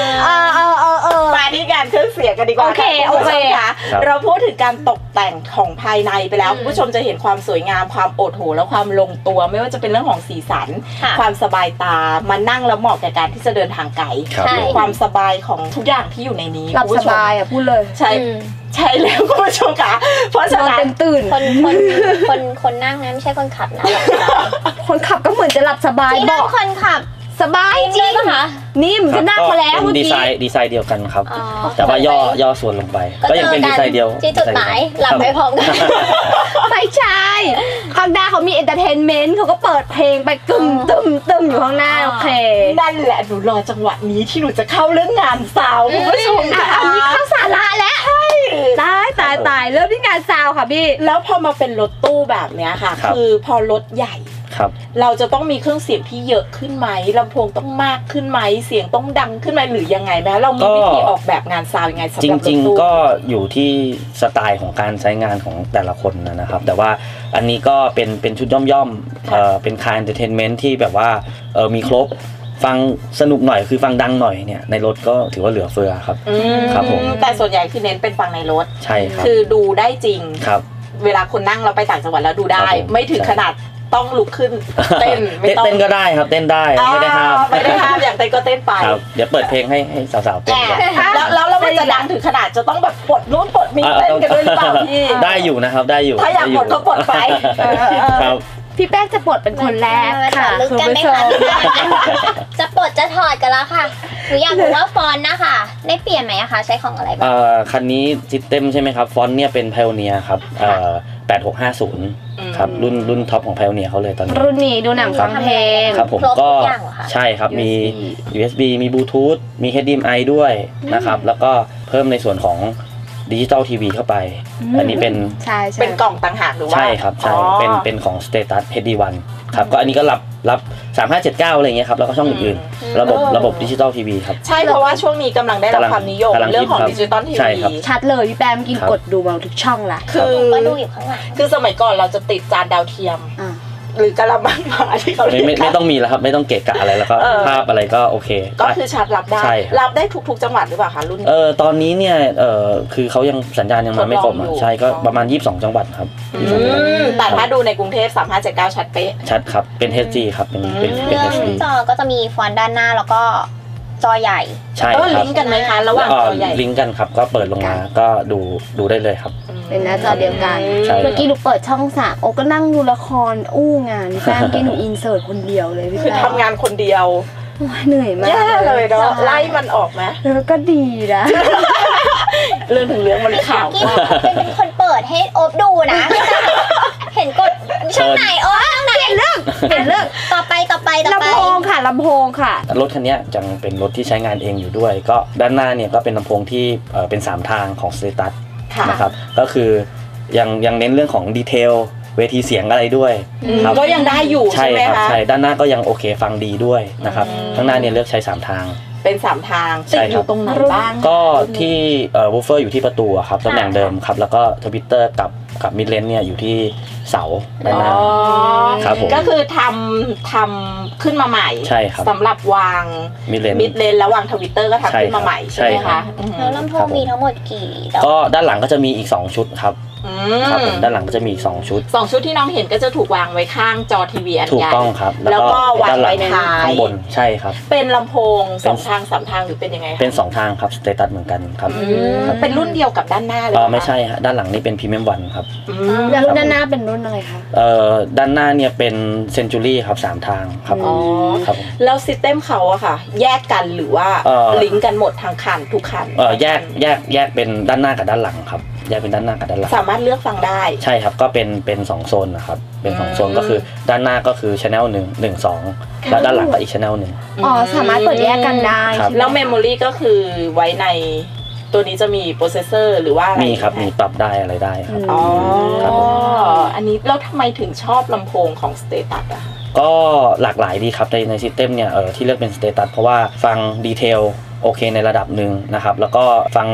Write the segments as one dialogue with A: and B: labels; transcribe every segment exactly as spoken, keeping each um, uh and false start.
A: เออเออเออเออ
B: มาที่การเครื่องเสียงกันดีกว่า
A: โอเคโอเค
B: ค่ะเราพูดถึงการตกแต่งของภายในไปแล้วคุณผู้ชมจะเห็นความสวยงามความโอดโหและความลงตัวไม่ว่าจะเป็นเรื่องของสีสันความสบายตามานั่งแล้วเหมาะกับการที่จะเดินทางไกลความสบายของทุกอย่างที่อยู่ในนี้
A: หลับสบายอ่ะพูดเลย
B: ใช่ใช่แล้วคุณผู้ชมค่ะเพราะฉะนั้น
A: เต็มตื่น
C: คนคนคนคนนั่งนะไม่ใช่คนขับนะ
A: คนขับก็เหมือนจะหลับสบาย
C: บอกคนขับ
A: สบายจริงค่ะนิ่มจะนั่งมาแล้ว
D: เมื่อกี้ดีไซน์ดีไซน์เดียวกันครับแต่ว่าย่อย่อส่วนลงไปก็ยังเป็นดีไซน์เดียว
C: ที่จุดหมายหลับไปพร้อมกัน
A: ไม่ใช่ข้างหน้าเขามีเอนเตอร์เทนเมนต์เขาก็เปิดเพลงไปกึมตึมตึมอยู่ข้างหน้าโอเค
B: นั่นแหละหนูรอจังหวะนี้ที่หนูจะเข้าเรื่องงานสาวคุณผู้ชมค่ะ
A: อันนี้เข้าสาระแล้วตายตายตายเริ่มที่งานซาวค่ะพี่
B: แล้วพอมาเป็นรถตู้แบบเนี้ยค่ะคือพอรถใหญ่เราจะต้องมีเครื่องเสียงที่เยอะขึ้นไหมลำโพงต้องมากขึ้นไหมเสียงต้องดังขึ้นไหมหรือยังไงไหมเรามีวิธีออกแบบงานซาวยังไงสำหรับรถตู้
D: จริงๆก็อยู่ที่สไตล์ของการใช้งานของแต่ละคนนะครับแต่ว่าอันนี้ก็เป็นเป็นชุดย่อมๆเอ่อเป็นคาร์เอนเตอร์เทนเมนต์ที่แบบว่าเออมีครบฟังสนุกหน่อยคือฟังดังหน่อยเนี่ยในรถก็ถือว่าเหลือเฟือครับครับผม
B: แต่ส่วนใหญ่คือเน้นเป็นฟังในรถ
D: ใช่ครับ
B: คือดูได้จริง
D: ครับ
B: เวลาคนนั่งเราไปต่างจังหวัดแล้วดูได้ไม่ถึงขนาดต้องลุกขึ้นเต้น
D: ไม่ต้องเต้นก็ได้ครับเต้นได้ไม่ได้ห้าม
B: ไม่ได้ห้ามอยากเต้นก็เต้นไป
D: เดี๋ยวเปิดเพลงให้ให้สาวๆเต้น
B: แล้วแล้วเราจะดังถึงขนาดจะต้องแบบปลดนู้นปลดนี้เต้นกันด้วยหรือเปล่าพี่
D: ได้อยู่นะครับได้อยู่
B: ถ้าอยากปลดก็ปลดไป
D: ครับ
A: พี่แป้งจะปลดเป็นคนแรกค่ะ
C: ลึกกันไหมคะจะปลดจะถอดกันแล้วค่ะหนูอยากรู้ว่าฟอนต์นะคะได้เปลี่ยนไหมคะใช้ของอะไรบ้าง
D: คันนี้ซิสเต็มใช่ไหมครับฟอนต์เนี่ยเป็นไพโอเนียครับแปดหกห้าศูนย์ครับรุ่นรุ่นท็อปของไพโอเนียเขาเลยตอนนี้
A: รุ่นนี้ดูหนังฟังเพลง
D: ครับผมก็ใช่ครับมี ยู เอส บี มีบลูทูธมี เอช ดี เอ็ม ไอ ด้วยนะครับแล้วก็เพิ่มในส่วนของดิจิตอลทีวีเข้าไปอันนี้เป็น
A: ใช่
B: เป็นกล่องต่างหากหรือว่า
D: ใช่ครับใช่เป็นเป็นของ Status เอช ดี วัน ครับก็อันนี้ก็รับรับสามห้าเจ็ดเก้าอะไรเงี้ยครับแล้วก็ช่องอื่นๆระบบระบบดิจิตอลทีวีครับ
B: ใช่เพราะว่าช่วงนี้กำลังได้รับความนิยมเรื่องของดิจิตอลทีวี
A: ชัดเลยพี่แปมกินกดดูมาทุกช่องละ
B: คือ
C: ก็ดูอยู่ข้างหลัง
B: คือสมัยก่อนเราจะติดจานดาวเทียมหรือกระมังหมาที่เขาเรียก
D: ไม่ไม่ต้องมีแล้วครับไม่ต้องเกะกะอะไรแล้วก็ภาพอะไรก็โอเค
B: ก็คือชาร์จรับได้รับได้ทุกๆจังหวัดหรือเปล่าคะรุ่น
D: เออตอนนี้เนี่ยเออคือเขายังสัญญาณยังมาไม่ครบใช่ก็ประมาณยี่สิบสองจังหวัดครับ
B: แต่ถ้าดูในกรุงเทพสามห้าเจ็ดเก้าชัดเป๊ะ
D: ชัดครับเป็น เอช ดี ครับเป็นเป็น
C: เป็น เอช ดี จอก็จะมีฟอนต์ด้านหน้าแล้วก็จอใหญ่
D: ใช่ครับ
B: ลิงก์กันไหมคะระหว่างจอใหญ่
D: ลิงก์กันครับก็เปิดลงมาก็ดูดูได้เลยครับ
A: เป็นหน้าจอเดียวกันเมื่อกี้หนูเปิดช่องสามโอ้ก็นั่งดูละครอู้งานพี่แป้งกี้หนูอินเสิร์ตคนเดียวเลยพี่แป้ง
B: คือทำงานคนเดียว
A: เหนื่อยมาก
B: แย่เลยเนาะไล่มันออกไหม
A: แล้วก็ดีนะ
B: เรื่องถึงเรื่องมันข่าว
C: กี้เป็นคนเปิดให้โอ๊บดูนะเห็นกดช่องไหนโอ๊บช่องไหน
A: เห็นเรื่องเห็นเรื่อง
C: ต่อไปต่อไปต่อไป
A: ลำโพงค่ะลำโพงค่ะ
D: รถคันนี้จังเป็นรถที่ใช้งานเองอยู่ด้วยก็ด้านหน้าเนี่ยก็เป็นลำโพงที่เป็นสามทางของ Status นะครับก็คือยังยังเน้นเรื่องของดีเทลเวทีเสียงอะไรด้วย
B: ก็ยังได้อยู่ใช่ไหมคะ
D: ใช่ด้านหน้าก็ยังโอเคฟังดีด้วยนะครับข้างหน้าเนี่ยเลือกใช้สามทาง
B: เป็นสามทางติดอยู่ตรงไหนบ้าง
D: ก็ที่เอ่อวูฟเฟอร์อยู่ที่ประตูครับตำแหน่งเดิมครับแล้วก็ทวิตเตอร์กับกับมิดเลนเนี่ยอยู่ที่เสาด้านหน้าครับผม
B: ก็คือทำทำขึ้นมาใหม่
D: ใช่ครับ
B: สำหรับวาง
D: มิดเลน
B: มิดเลนแล้ววางทวิตเตอร์ก็ทำขึ้นมาใหม่ใช่ไหมคะ
C: แล้วลำโพงมีทั้งหมดกี่
D: ก็ด้านหลังก็จะมีอีกสองชุดครับครับผมด้านหลังก็จะมีสองชุด
B: สองชุดที่น้องเห็นก็จะถูกวางไว้ข้างจอทีวีอันใหญ่
D: ถูกต้องครับ
B: แล้วก็วางไว้ท้าย
D: ข้างบนใช่ครับ
B: เป็นลำโพงสองทางสามทางหรือเป็นยังไง
D: เป็นสองทางครับสเตตัสเหมือนกันครับ
B: เป็นรุ่นเดียวกับด้านหน้าเลย
D: อ๋อไม่ใช่ฮะด้านหลังนี่เป็นพรีเมียมวันครับ
A: แล้วรุ่นด้านหน้าเป็นรุ่นอะไรคะ
D: เอ่อด้านหน้าเนี่ยเป็นเซนจูรี่ครับสามทางครับ
B: อ๋อครับแล้วซิสเต็มเขาอะค่ะแยกกันหรือว่าลิงก์กันหมดทางคันทุกคัน
D: เออแยกแยกแยกเป็นด้านหน้ากับด้านหลังครับแยกเป็นด้านหน้ากับด้านหลัง
B: สามารถเลือกฟังได้
D: ใช่ครับก็เป็นเป็นสองโซนนะครับเป็นสองโซนก็คือด้านหน้าก็คือ channel หนึ่ง หนึ่ง สองแล้วด้านหลังก็อีก channel หนึ่ง
A: อ๋อสามารถเปิดแยกกันได้
B: แล้วเมมโมรีก็คือไว้ในตัวนี้จะมีโปรเซสเซอร์หรือว่าอะไร
D: มีครับมีปรับได้อะไรได้ครับ
B: อ๋ออันนี้แล้วทำไมถึงชอบลำโพงของ Status อะ
D: ก็หลากหลายดีครับในในซิสเต็มเนี่ยเออที่เลือกเป็น Status เพราะว่าฟังดีเทลโอเคในระดับหนึ่งนะครับแล้วก็ฟัง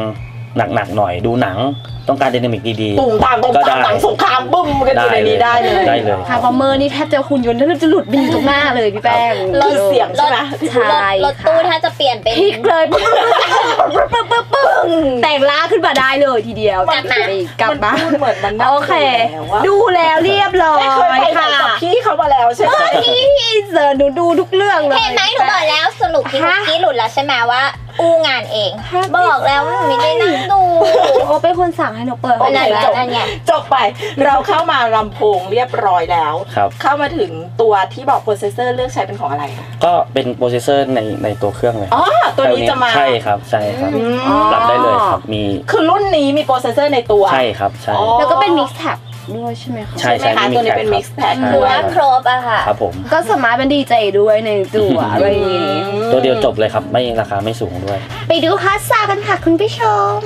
D: หนักๆหน่อยดูหนังต้องการไดนามิกดีๆ
B: ตุ่มตามตุ่มตามหนังสงครามบึ้มกันอยู่ในนี้ได้เลย
D: ได้เลย
A: ทาร์บอมเมอร์นี่แทบจะหุ่นยนต์แทบจะหลุดบินตรงหน้าเลยพี่แป้ง
B: รถเสียงใช่ไหม
A: ใช่
C: รถตู้ถ้าจะเปลี่ยนเป็น
A: พลิกเลยปึ้งปึ้งปึ้งปึ้งแต่งล่าขึ้นมาได้เลยทีเดียว
C: กลับมา
A: กลับมา
B: พูดเหมือนมันนั่ง
A: โอเค ดูแล้วเรียบร้อ
B: ไม่เคย
A: ย
B: ไป
A: ค่ะ
B: กับพี่เขามาแล้วใช่ไหม
A: พี่เสิร์ชหนูดูทุกเรื่องเลย
C: เห็นไหมหนูบอกแล้วสรุปพี่คุกกี้หลุดแล้วใช่ไหมว่าอู้งานเอง บอกแล้วว่าหนูไม่ได้นั่งดู
A: โอ้เป็นคนสั่งให้หนูเปิด
B: โอเค
C: นั่นแหละ
B: จบ
C: นั่นไง
B: จบไปเราเข้ามาลำโพงเรียบร้อยแล้ว
D: ครับ
B: เข้ามาถึงตัวที่บอกโปรเซสเซอร์เลือกใช้เป็นของอะไรคะ
D: ก็เป็นโปรเซสเซอร์ในในตัวเครื่องเลย
B: อ๋อตัวนี้จะมา
D: ใช่ครับใช่ครับ
B: อืม
D: ปรับได้เลยครับมี
B: คือรุ่นนี้มีโปรเซสเซอร์ในตัว
D: ใช่ครับใช่
B: อ๋อ
A: แล้วก็เป็นมิกซ์แท็บด้วยใช่ไหมคะ
D: ใช่
B: ใช่ไหมคะตัวนี้เป็น mix pack
D: ใช่
C: คือว่าครบอะค่ะ
D: ครับผม
A: ก็สามารถเป็นดีเจด้วยในตัวอะไรอย่างงี้
D: ตัวเดียวจบเลยครับไม่ราคาไม่สูงด้วย
A: ไปดูฮาซากันค่ะคุณผู้ชม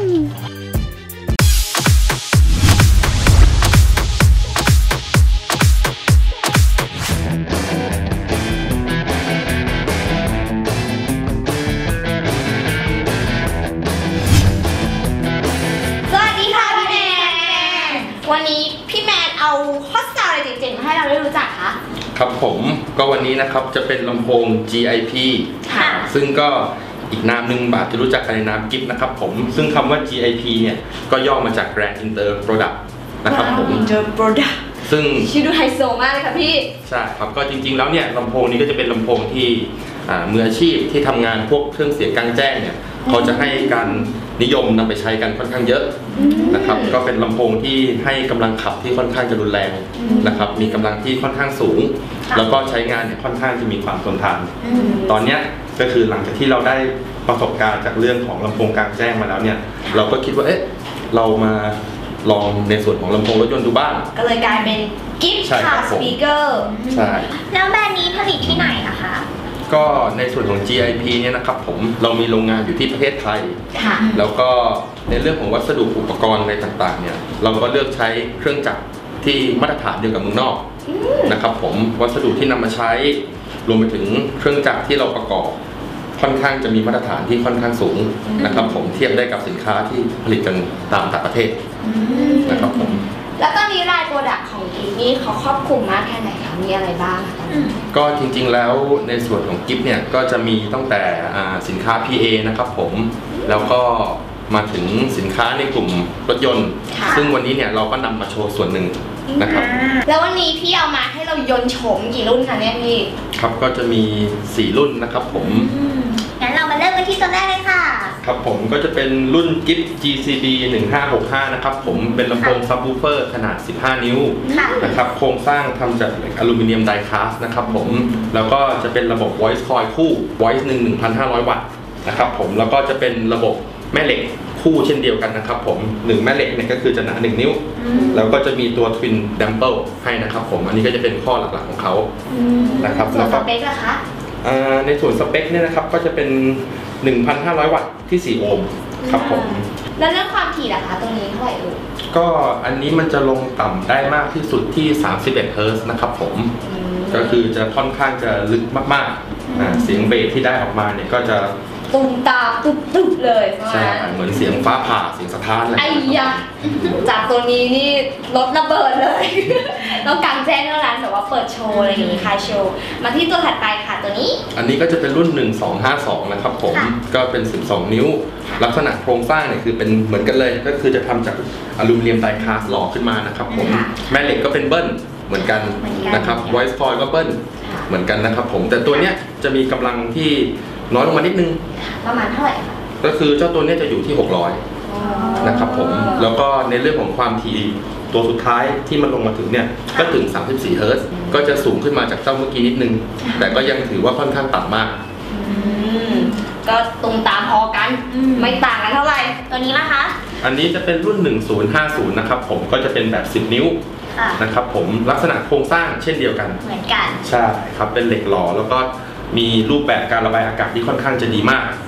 E: สวัสดีค่ะพี่แมน วันนี้พี่แมนเอาฮอตซาวอะไรเจ๋งๆมาให้เราได้รู้จักคะ
F: ครับผมก็วันนี้นะครับจะเป็นลำโพง จี ไอ พี
E: ค่ะ
F: ซึ่งก็อีกนามหนึ่งบาทจะรู้จักกันในนามกิฟต์นะครับผมซึ่งคำว่า จี ไอ พี เนี่ยก็ย่อมาจาก Grand Inter Product นะครับผม
E: Inter Product
F: ซึ่ง
E: ชื่อดูไฮโซมากเลยค่ะพี่
F: ใช่ครับก็จริงๆแล้วเนี่ยลำโพงนี้ก็จะเป็นลำโพงที่อ่ามืออาชีพที่ทำงานพวกเครื่องเสียงกลางแจ้งเนี่ยเขาจะให้การนิยมนำไปใช้กันค่อนข้างเยอะนะครับก็เป็นลำโพงที่ให้กำลังขับที่ค่อนข้างจะรุนแรงนะครับมีกำลังที่ค่อนข้างสูง แล้วก็ใช้งานเนี่ยค่อนข้างจะมีความทนทานตอนเนี้ยก็คือหลังจากที่เราได้ประสบการณ์จากเรื่องของลำโพงกลางแจ้งมาแล้วเนี่ยเราก็คิดว่าเอ๊ะเรามาลองในส่วนของลำโพงรถยนต์ดูบ้าง
E: ก็เลยกลายเป็นกิฟต์
F: ใช่ครั
E: คา
F: บ
E: ร์
F: ผม
E: สปีกเกอร์
F: ใช่
C: แล้วแบรนด์นี้ผลิตที่ไหนอะคะ
F: ก็ในส่วนของ จี ไอ พี เนี่ยนะครับผมเรามีโรงงานอยู่ที่ประเทศไทย
E: ค่ะ
F: แล้วก็ในเรื่องของวัสดุอุปกรณ์อะไรต่างๆเนี่ยเราก็เลือกใช้เครื่องจักรที่มาตรฐานเดียวกับเมืองนอกนะครับผมวัสดุที่นำมาใช้รวมไปถึงเครื่องจักรที่เราประกอบค่อนข้างจะมีมาตรฐานที่ค่อนข้างสูงนะครับผมเทียบได้กับสินค้าที่ผลิตกันตามต่างประเทศนะครับผม
E: แล้วตอนนี้รายโปรดักต์ของกิฟต์นี่เขาครอบคลุมมากแค่ไหนคะ มีอะไรบ้างคะ
F: ก็จริงๆแล้วในส่วนของกิฟต์เนี่ยก็จะมีตั้งแต่อ่าสินค้า พี เอ นะครับผมแล้วก็มาถึงสินค้าในกลุ่มรถยนต์
E: ค่ะ
F: ซึ่งวันนี้เนี่ยเราก็นำมาโชว์ส่วนหนึ่งนะครับ
E: แล้ววันนี้พี่เอามาให้เรายนต์โฉมกี่รุ่นคะเนี่ยพี่
F: ครับก็จะมีสี่รุ่นนะครับผม
C: งั้นเรามาเริ่มกันที่ตัวแรกเลยค่ะ
F: ครับผมก็จะเป็นรุ่นกิฟต์ จี ซี ดี หนึ่งห้าหกห้านะครับผมเป็นลำโพงซับวูฟเฟอร์ขนาดสิบห้านิ้ว
C: ค่ะ
F: นะครับโครงสร้างทำจากเหล็กอลูมิเนียมไดคาสต์นะครับผมแล้วก็จะเป็นระบบ voice coil คู่ voice หนึ่ง หนึ่งพันห้าร้อย วัตต์นะครับผมแล้วก็จะเป็นระบบแม่เหล็กคู่เช่นเดียวกันนะครับผมหนึ่งแม่เหล็กเนี่ยก็คือจะหนาหนึ่งนิ้วแล้วก็จะมีตัว twin damper ให้นะครับผมอันนี้ก็จะเป็นข้อหลักๆของเขานะครับ
E: ส่ว
F: แล้
E: น
F: ว
E: ส
F: ก็
E: เปคล่ะคะ
F: อ่าในส่วนสเปคเนี่ยนะครับก็จะเป็น หนึ่งพันห้าร้อย วัตต์ที่สี่โอห์มครับผม
E: แล้วเรื่องความถี่ล่ะคะตรงนี้เท่าไหร่เอ่ย
F: ก็อันนี้มันจะลงต่ำได้มากที่สุดที่สามสิบเอ็ดเฮิร์ตซ์นะครับผมก็คือจะค่อนข้างจะลึกมากๆอ่าเสียงเบสที่ได้ออกมาเนี่ยก็จะ
E: ตุ่มตามตุบตุบเลยประ
F: ใช่
E: มาณ
F: เหมือนเสียงฟ้าผ่าเสียงสะท้านอะไร
E: ไอ้ยะจากตัวนี้นี่รถระเบิดเลย ต้องกางแจ้งเท่านั้นแต่ว่าเปิดโชว์อะไรอย่างนี้ค่ะโชว์ มาที่ตัวถัดไปค่ะตัวนี้
F: อันนี้ก็จะเป็นรุ่นหนึ่งสองห้าสองนะครับผม
E: ค่ะ
F: ก็เป็นสิบสองนิ้ว ลักษณะโครงสร้างเนี่ยคือเป็นเหมือนกันเลย ก็คือจะทำจากอลูมิเนียมไดคาสต์หล่อขึ้นมานะครับผมแม่เหล็กก็เป็นเบิ้ลเหมือนกันนะครับ voice coil ก็เบิ้ลเหมือนกันนะครับผมแต่ตัวเนี้ยจะมีกำลังที่น้อยลงมานิดนึง
E: ประมาณเท่าไหร่คะ
F: ก็คือเจ้าตัวเนี้ยจะอยู่ที่หกร้อยนะครับผมแล้วก็ในเรื่องของความถี่ตัวสุดท้ายที่มันลงมาถึงเนี่ยก็ถึงสามสิบสี่เฮิร์ตซ์ก็จะสูงขึ้นมาจากเจ้าเมื่อกี้นิดนึงแต่ก็ยังถือว่าค่อนข้างต่ำมาก
E: อืมก็ตุ่มตามพอกัน ไม่ต่างกันเท่าไหร่
C: ตัวนี้นะคะ
F: อันนี้จะเป็นรุ่นหนึ่งศูนย์ห้าศูนย์นะครับผมก็จะเป็นแบบสิบนิ้ว
C: ค่ะ
F: นะครับผมลักษณะโครงสร้างเช่นเดียวกัน
C: เหมือนกัน
F: ใช่ครับเป็นเหล็กหล่อแล้วก็มีรูปแบบการระบายอากาศที่ค่อนข้างจะดีมาก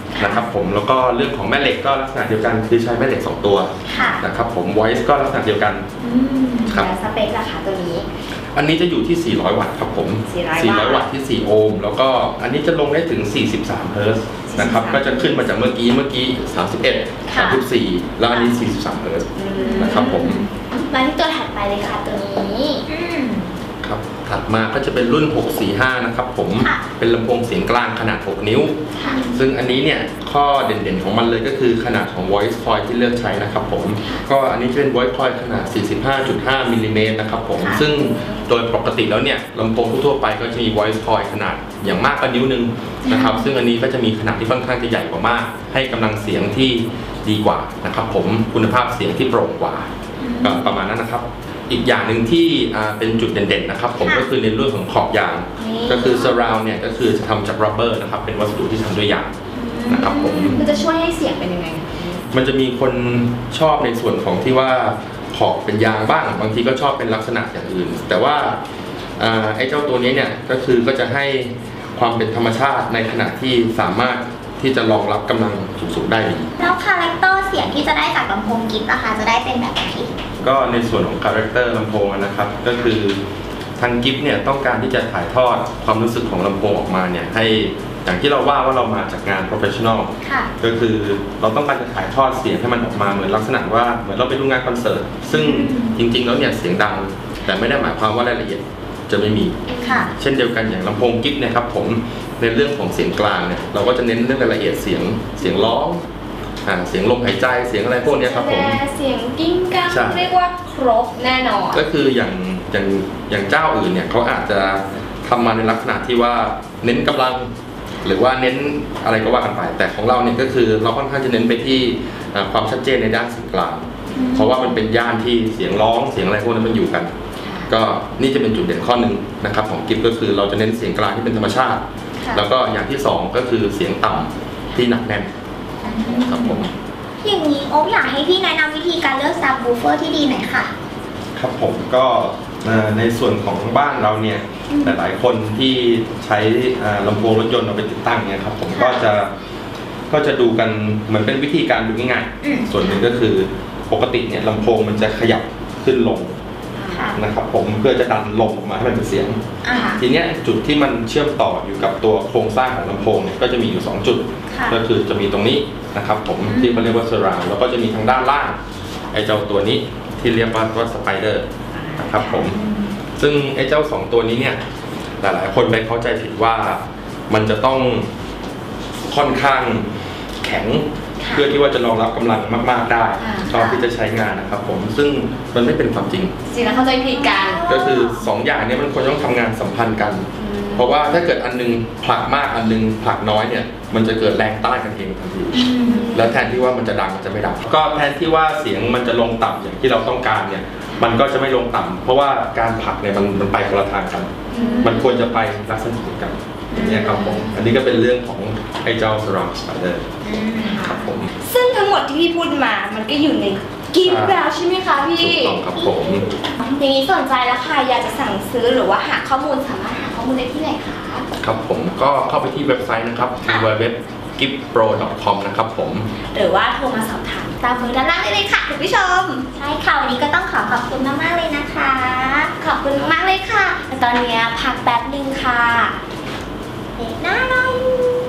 F: นะครับผมแล้วก็เรื่องของแม่เหล็กก็ลักษณะเดียวกันคือใช้แม่เหล็กสองตัวนะครับผม voice ก็ลักษณะเดียวกันครับ
E: แล้วสเปคราคาตัวนี้
F: อันนี้จะอยู่ที่สี่ร้อยวัตต์ครับผมสี่ร้อยวัตต์ที่สี่โอห์มแล้วก็อันนี้จะลงได้ถึงสี่สิบสามเฮิร์ตซ์นะครับก็จะขึ้นมาจากเมื่อกี้เมื่อกี้สามสิบเอ็ด สามสิบสี่แล้วอันนี้สี่สิบสามเฮิร์ตซ์นะครับผม
E: มาที่ตัวถัดไปเลยค่ะตัวนี้
F: ครับถัดมาก็จะเป็นรุ่นหกสี่ห้านะครับผมเป็นลำโพงเสียงกลางขนาดหกนิ้วซึ่งอันนี้เนี่ยข้อเด่นๆของมันเลยก็คือขนาดของ voice coil ที่เลือกใช้นะครับผมก็อันนี้จะเป็น voice coil ขนาด สี่สิบห้าจุดห้า มิลลิเมตรนะครับผมซึ่งโดยปกติแล้วเนี่ยลำโพงทั่วไปก็จะมี voice coil ขนาดอย่างมากก็นิ้วนึงนะครับซึ่งอันนี้ก็จะมีขนาดที่ค่อนข้างจะใหญ่กว่ามากให้กำลังเสียงที่ดีกว่านะครับผมคุณภาพเสียงที่โปร่งกว่าประมาณนั้นนะครับอีกอย่างหนึ่งที่เป็นจุดเด่นๆนะครับผมก็คือในเรื่องของขอบยางก็คือ surround เนี่ยก็คือจะทำจาก rubber นะครับเป็นวัสดุที่ทำด้วยยางนะครับผม
E: มันจะช่วยให้เสียงเป็นยังไง
F: มันจะมีคนชอบในส่วนของที่ว่าขอบเป็นยางบ้างบางทีก็ชอบเป็นลักษณะอย่างอื่นแต่ว่าไอ้เจ้าตัวนี้เนี่ยก็คือก็จะให้ความเป็นธรรมชาติในขณะที่สามารถที่จะรองรับกำลังสูงๆได้ดี
C: แล้วคาแรคเตอร์เสียงที่จะได้จากลำโพงกิฟต์นะคะจะได้เป็นแบบไหน
F: ก็ในส่วนของคาแรคเตอร์ลำโพงนะครับก็คือทางกิฟต์เนี่ยต้องการที่จะถ่ายทอดความรู้สึกของลำโพงออกมาเนี่ยให้อย่างที่เราว่าว่าเรามาจากงาน professional ก็คือเราต้องการจะถ่ายทอดเสียงให้มันออกมาเหมือนลักษณะว่าเหมือนเราไปดูงานคอนเสิร์ตซึ่งจริงๆแล้วเนี่ยเสียงดังแต่ไม่ได้หมายความว่ารายละเอียดจะไม่มีเช่นเดียวกันอย่างลำโพงกิฟต์เนี่ยครับผมในเรื่องของเสียงกลางเนี่ยเราก็จะเน้นเรื่องรายละเอียดเสียงเสียงร้องเสียงลมหายใจเสียงอะไรพวกนี้ครับผม
E: เสียงกิ้งก้างเรียกว่าครบแน่นอน
F: ก็คืออย่างอย่างอย่างเจ้าอื่นเนี่ยเขาอาจจะทำมาในลักษณะที่ว่าเน้นกำลังหรือว่าเน้นอะไรก็ว่ากันไปแต่ของเราเนี่ยก็คือเราค่อนข้างจะเน้นไปที่ความชัดเจนในด้านเสียงกลางเพราะว่ามันเป็นย่านที่เสียงร้องเสียงอะไรพวกนั้นมันอยู่กันก็นี่จะเป็นจุดเด่นข้อหนึ่งนะครับของกิฟต์ก็คือเราจะเน้นเสียงกลางที่เป็นธรรมชาติแล้วก็อย่างที่สองก็คือเสียงต่ำที่หนักแน่นครับผม
C: อย่างนี้โอ๊คอยากให้พี่แนะนำวิธีการเลือกซับวูฟเฟอร์ที่ดีหน่อยค่ะ
F: ครับผมก็ในส่วนของบ้านเราเนี่ยหลายๆคนที่ใช้ลำโพงรถยนต์เอาไปติดตั้งเนี่ยครับผมก็จะก็จะดูกันเหมือนเป็นวิธีการดูง่ายๆส่วนหนึ่งก็คือปกติเนี่ยลำโพงมันจะขยับขึ้นลงนะครับผมเพื่อจะดันลมออกมาให้มันเป็นเสียงทีนี้จุดที่มันเชื่อมต่ออยู่กับตัวโครงสร้างของลำโพงเนี่ยก็จะมีอยู่สองจุดก็คือจะมีตรงนี้นะครับผมที่เขาเรียกว่า surround แล้วก็จะมีทางด้านล่างไอ้เจ้าตัวนี้ที่เรียกว่าว่า spider นะครับผมซึ่งไอ้เจ้าสองตัวนี้เนี่ยหลายๆคนไปเข้าใจผิดว่ามันจะต้องค่อนข้างแข็งเพื่อที่ว่าจะรองรับกำลังมากๆได้ตอนที่จะใช้งานนะครับผมซึ่งมันไม่เป็นความจริง
E: สิ่งนั้นเข้าใจผิดกัน
F: ก็คือสองอย่างนี้มันควรต้องทำงานสัมพันธ์กันเพราะว่าถ้าเกิดอันนึงผลักมากอันนึงผลักน้อยเนี่ยมันจะเกิดแรงต้านกันเองทันทีแล้วแทนที่ว่ามันจะดังมันจะไม่ดังก็แทนที่ว่าเสียงมันจะลงต่ำอย่างที่เราต้องการเนี่ยมันก็จะไม่ลงต่ำเพราะว่าการผลักเนี่ยมันมันไปคนละทางกันมันควรจะไปลักษณะเดียวกันเนี่ยครับผมอันนี้ก็เป็นเรื่องของไอ้เจ้า surround spider ครับผม
E: ซึ่งทั้งหมดที่พี่พูดมามันก็อยู่ในกิฟต์แล้วใช่ไหมคะพี่
F: ถูกต้องครับผม
E: อย่างนี้สนใจแล้วค่ะอยากจะสั่งซื้อหรือว่าหาข้อมูลสามารถหาข้อมูลได้ที่ไหนคะ
F: ครับผมก็เข้าไปที่เว็บไซต์นะครับ ดับเบิลยู ดับเบิลยู ดับเบิลยู ดอท กิฟต์โปร ดอท คอม นะครับผม
E: หรือว่าโทรมาสอบถามตามเบอร์ด้านล่างได้เลยค่ะคุณผู้ชม
C: ใช่ค่ะวันนี้ก็ต้องขอขอบคุณมากๆเลยนะคะ
E: ขอบคุณมากเลยค่ะตอนนี้พักแป๊บนึงค่ะ
C: เด็กน่ารัก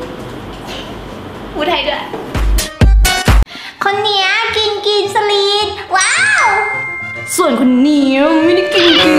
E: พูดไทยด้วย
C: คนเนี้ยกินกินสลีดว้าว
E: ส่วนคนนี้ไม่ได้กินกิน